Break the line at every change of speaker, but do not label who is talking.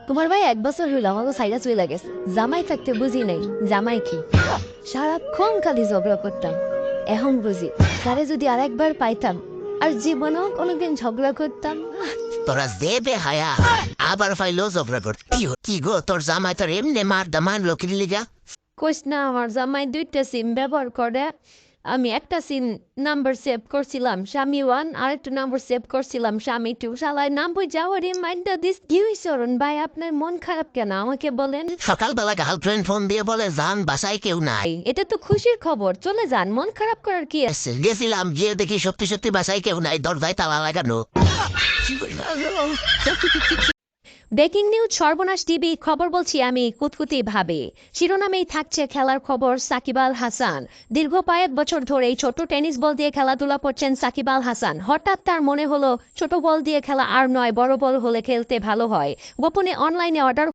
তোমার ভাই 1 বছর হইল আমাকে সাইডা চলে গেছে। জামাই থাকতে বুঝি নাই জামাই কি, সারাক্ষণ খালি ঝগড়া করতাম। এখন বুঝি তারে যদি আরেকবার পাইতাম আর জীবনেও কোনোদিন ঝগড়া করতাম না।
তোরা দেবে হায়া আবার ফাইলো ঝগড়া কর কি গো তোর জামাই তোর এমনি মার দামান লোকের লিগা
কোস না, আমার জামাই 2টা সিম ব্যবহার করে। আমি একটা সিম নাম্বার সেভ করছিলাম স্বামী 1, আরেকটা নাম্বার সেভ করছিলাম স্বামী 2। শালায় নাম বই যাওয়ার রিমাইন্ডার দিস। কি হইছে অরুণ ভাই, আপনার মন খারাপ কেন আমাকে বলেন।
সকালবেলা গার্লফ্রেন্ড ফোন দিয়ে বলে জান বাসায় কেউ নাই।
এটা তো খুশির খবর, চলে যান, মন খারাপ করার কি আছে?
গেছিলাম গিয়ে দেখি সত্যি সত্যি বাসায় কেউ নাই, দরজায় তালা লাগানো।
ব্রেকিং নিউজ সর্বনাশ টিভি খবর বলছি আমি কুতকুতি ভাবে। শিরোনামেই থাকছে খেলার খবর। সাকিব আল হাসান দীর্ঘ 5 বছর ধরে ছোট টেনিস বল দিয়ে খেলাধুলা করছেন সাকিব আল হাসান। হঠাৎ তার মনে হলো ছোট বল দিয়ে খেলা আর নয়, বড় বল হলে খেলতে ভালো হয়। গোপনে অনলাইনে অর্ডার